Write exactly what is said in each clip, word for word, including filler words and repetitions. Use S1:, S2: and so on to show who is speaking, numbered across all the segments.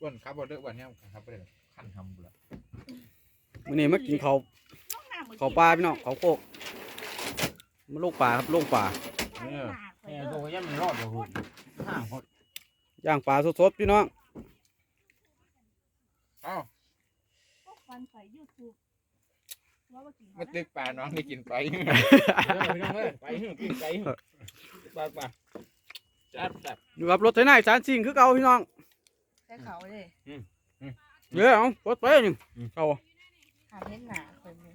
S1: อ้วนครับบ่เด้ออ้วนเนี่ยครับบ่ได้ขั้นทำบุละ
S2: มื้อนี้มากินข้าวข้าวปลาพี่น้องข้าวโคกมาลูกปลาครับลูกปลา
S3: เนี่ยเนี่ยตัวยันมันรอดอยู่หุ่นห้าคน
S2: ย่างปลาสดๆพี่น้อง
S1: เอ้า
S4: ฟันใส่ยูทูบว่าว่ากิน
S1: มาตึกปลาน้องได้กินไป
S3: พี่น้องเอ้ยไปหิ้งกินไปหิ้งไปไปจัดจัด
S2: อยู่กับรถไถนาจานซิ่งคือเก่าพี่น้อง
S4: ใช้เขาเลย
S2: เด้อเอารถไปนี่เก่า
S4: หาเห็นหนาคนนึง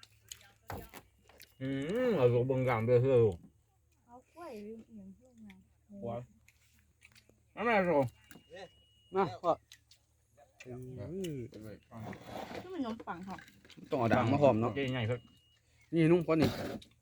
S3: อืมเอาลูกเบิ่งกลางเด้อเฮ้ย
S4: เขากล้วยลืมเอียงเพื่อนมา
S3: นั่นแหละโซ่
S2: นะพ่อ
S4: ก็มันนมปังหอก
S2: ต้องเอาด่างมาหอมเนาะ
S3: เจ๊ใหญ่เพิ่น
S2: นี่นุ่มกว่านี่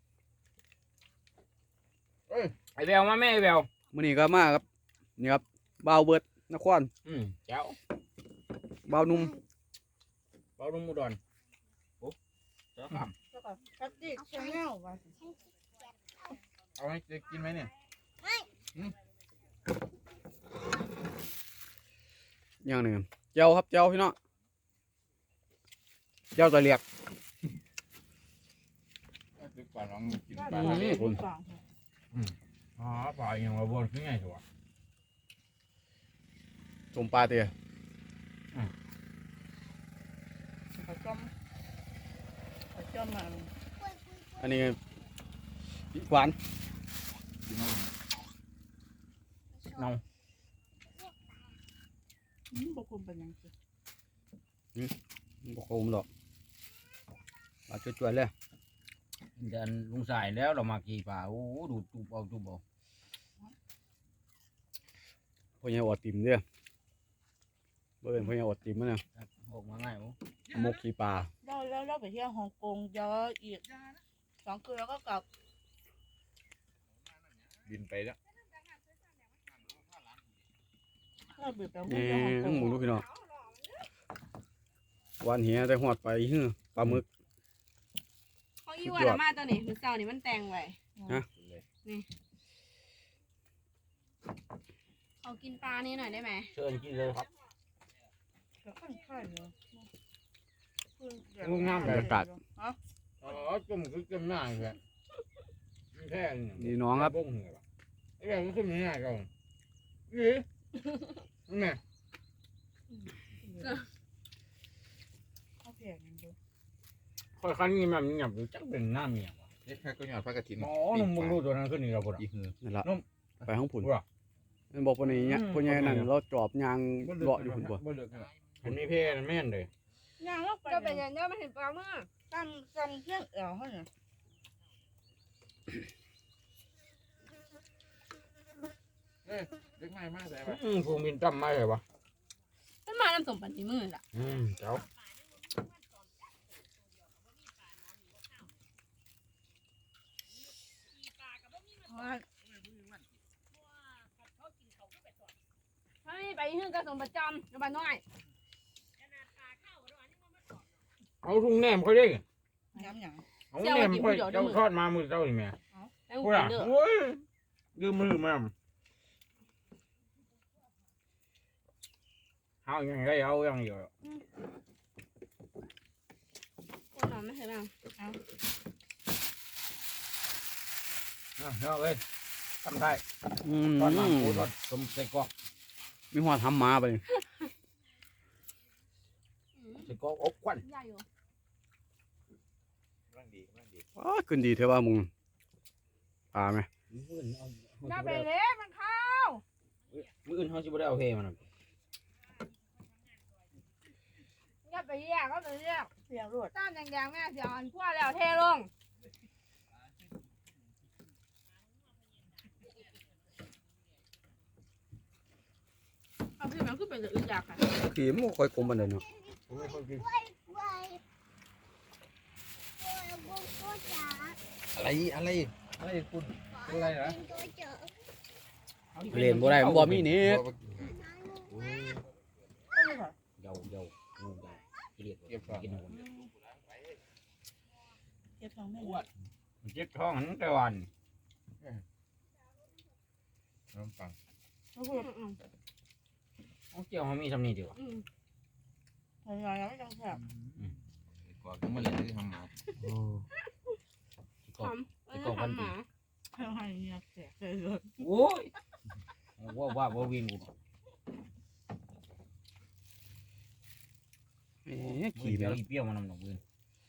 S3: ไอ้แววมาแม่ไอ้แวว
S2: มื้อนี้ก็มาครับนี่ครับบ่าวเบิดนคร
S3: อืมเจ้า
S2: บ่าวนุ่ม
S3: เบาดุมอุดรโอ้เจ้าครับ
S4: แล้วก็กัดดิกชาแนลว่า
S1: เอาให้จะกินไหมเนี่ย
S2: อย่างหนึงเจ้าครับเจ้าพี่น้องเจ้าตะเลียก
S1: ตึกปลาน้องกิน
S4: ว่า
S1: ปลา
S4: ปลา
S1: เนี่ย
S4: นปัง
S3: อ๋อปลาอย่างว่าบนคือไงตัว
S2: สมปลาเตี้ย
S4: เขาจมเขาจมมา
S2: อันนี้พริกหวาน
S1: กินเอา
S3: น้อง
S4: อืมบกคุมเป็นยังไง
S2: บ่คมดอกปลาจวดๆเลย
S3: เดินลุงสายแล้วเรามากี่ปลาโอ้ดูจูบเอาจูบเอา
S2: พ่อใหญ่อดติ่มเด้อบ่เป็นพ่อใหญ่อดติ่มมันน่ะ
S3: ออกมาง่ายโอ้
S2: มกขี้ปลา
S4: เราแล้วเราไปเที่ยวฮ่องกงเยอะอีกสองคืนแล้วก็กลับ
S1: บินไปแล้ว
S4: เราเบื่อไป
S2: นี่
S4: เที่ยวฮ่องกง
S2: หมูลูกพี่น้องหวานเหียได้หอดไปฮื้อปลาหมึก
S5: เขาอีวันมาตัวนี้หรือเสานี่มันแต่งไว้
S2: ฮะ
S5: เขากินปลานี่หน่อยได้ไหม
S3: เชิญกินเลยครับ
S4: แล้วค่อนข้างเยอะ
S3: ลุงน้ำ
S2: บรรยากาศ
S3: อ๋อจุ่มคือจุ่มหน้าเลยแค่นี้
S2: นี่น้องครับ
S3: บ้งเหรอไอ้แบบมันขึ้นง่ายก่อนยี่แม่
S4: เขาเพียงดู
S3: ค่อยคันนี้มันหยับอยู่จักเป็นหน้าเมียวะ
S1: เล็กแค่ก็หยอดพระกฐิน
S3: อ๋อนุ่มมึงรู้ตัวนั้นขึ้นนี่เราปวด
S1: อีหือ
S2: นั่นละ
S3: นุ่ม
S2: ไปห้องผุน
S3: ว่ะ
S2: มันบอกว่านี้เนี่ย
S3: อืม
S2: พ่อใหญ่นั่นเราจอบยางเลาะอยู่พุ่นบ่
S1: บ่เลิกกัน
S3: อันนี้เพ่แม่นเลย
S4: ย่างแล้วไป
S5: ก็เป็นอย่างนี้มันเห็นปลาเมื่อ
S4: ตั้งจำเที่ยงเอวเขาเนี่ย
S1: เล็กไม่มากแต่
S3: อืมภูมินตั้มไม่เลยวะ
S5: มันมาน้ำสมปันที่มือล่ะ
S3: อืมเจ้า
S4: ว่า
S5: ถ้าไม่ไปที่นึงก็สมประจำกับบ้านน้อย
S3: เอาทุ่งแหนมค่อยได้
S4: ย้ำอย่าง
S3: เอาแหนมค่อยเจ้าทอดมามือเจ้าอีแม่
S5: แล้ว
S3: พู
S5: กู
S3: ดอ่ะ
S5: กินเด้อ
S3: โอ้ยยืมมือมาเอาอย่างไรเอาอย่างเดียว
S5: กูนอนไม่เคยบ้าง
S3: เอาเลยทำได้
S2: อืม
S3: ทอดมาปูทอดสมใส่กรอก
S2: มีหอดทำมาไปนี่
S3: ใส่กรอกอบควัน
S5: ใหญ่อยู่
S1: ร่างดีร่างดี
S2: อ้าขึ้นดีเถอะว่ามึงปลาไหม
S3: มืออื่นเอา
S5: น่าไปเล็กมันเข้า
S3: มืออื่นเขาจะไม่ได้เอาเฮมัน
S5: อย่าไปแยกก็ไปแยก
S4: เสียงรวด
S5: ต้านแดงๆแม่เสียอันพวกแล้วเทลงเอาพี่มันขึ้นเป็นอึดอยากค่ะ
S2: ขี่มันบ่ค่อยกลมปานใดเนาะ
S3: ผมไม่ค่อยกิน
S1: อะไรอะไรอะไรคุณอะไรนะ
S2: เล่นบ่ได้มันบ่มีเน็ต
S3: เยาเยางูเยาเกลียดกินหัว
S4: เก็บทองไม่
S3: อ้วนเจ็บท้องทั้งแต่วัน
S1: น้ำปัง
S5: อืม
S3: เอาเจ็บจียวเขามีทำนี่ดีกว่า
S5: อืม
S4: หน่อยๆแล้วไม่ต้องแซ่บ
S1: กว่าต้องมาเล่นที่ทำงาน
S2: โอ้
S5: ทำเออทำหมา
S4: ให้ให้เนี่ยแซ่บเลยเลย
S3: โอ้ยว่าว่าว่าวินกู
S2: เอ๊ะ
S3: ขี่
S2: ขี่
S3: เป
S2: ไป
S3: รี้ยว
S2: แล้ว
S3: เปรี้ยวมันนำหนองวิน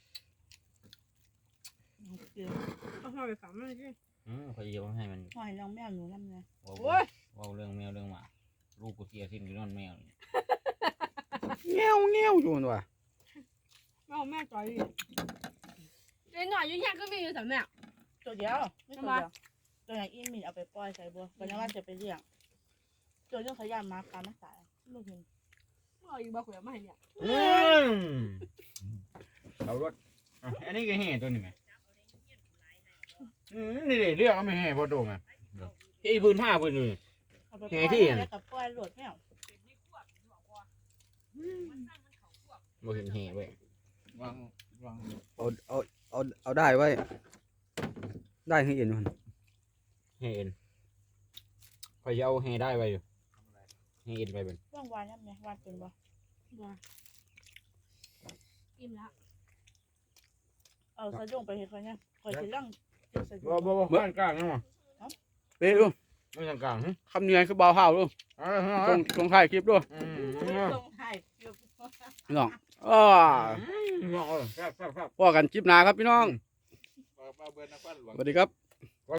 S4: เกลือ
S5: เอาเข้าไปฝังมันสิ
S3: อืมเขาจะให้มัน
S4: หอยน้องแมวหนูน้ำเลย
S3: ว่า
S5: โอ้ย
S3: ว่าเรื่องแมวเรื่องหมาลูกกูเสียสิ้นอยู่นั่นแมว
S2: เงี้ยวเงี้ยวอยู่นั่นว่ะ
S5: แม่เอาแม่จ่อยดิเด็กหน่อยอยู่แค่ก็มีอยู่สามแม่
S4: ตัวเดียวไม่ตัวเดียวตัวไหนอีมินเอาไปปล่อยใส่บัววันนี้ว่าจะไปเลี้ยงตัวนี้เขาย่านมาปลาไม่ตายลูกเห็น
S5: เอาอยู่บ้าขุยมาให้เนี่ย
S3: อืมเอารถอ่ะอันนี้ก็แห่ตัวนี้ไหมอืมนี่เดี๋ยวเรียกเอาไม่แห่พอโดนไหมไอ้พื้นผ้าพื้นเลย
S4: เอาไปปล่อยแล้วกับปล่อยหลวดแมว
S3: บ่เห็นแห่เว้ยว
S1: างวาง
S2: เอาเอาเอาเอาได้ไว้ได้ให้เอ็นมัน
S3: แห่เอ็นคอยจะเอาแห่ได้ไว้อยู่แห่เอ็นไปเป็น
S4: ว่างวานยังไงวานเป็นบ่
S5: บ้าอิ่มแล้ว
S4: เอาสะดุ้งไปเห็นเขาเนี่ยคอยจะล่างจะสะดุ้
S3: บ่
S4: ง
S3: บ่บ่บ้านกลางนะมั้ง
S2: เป๊ะดู
S3: ไม่ทางกลางฮะ
S2: คำเนียนคือเบาเห่าดู
S3: เอ่าฮะ
S2: ตรงตรงท้ายคลิปดู
S3: อืม
S4: ตรงไทยเกือบ
S2: พี่น้องอ้า
S3: อืมเออครับครับครับ
S2: พอกันคลิปหน้าครับพี่น้อง
S1: ปลาเบิร์นนักปั้นหลวง
S2: สวัสดีครับ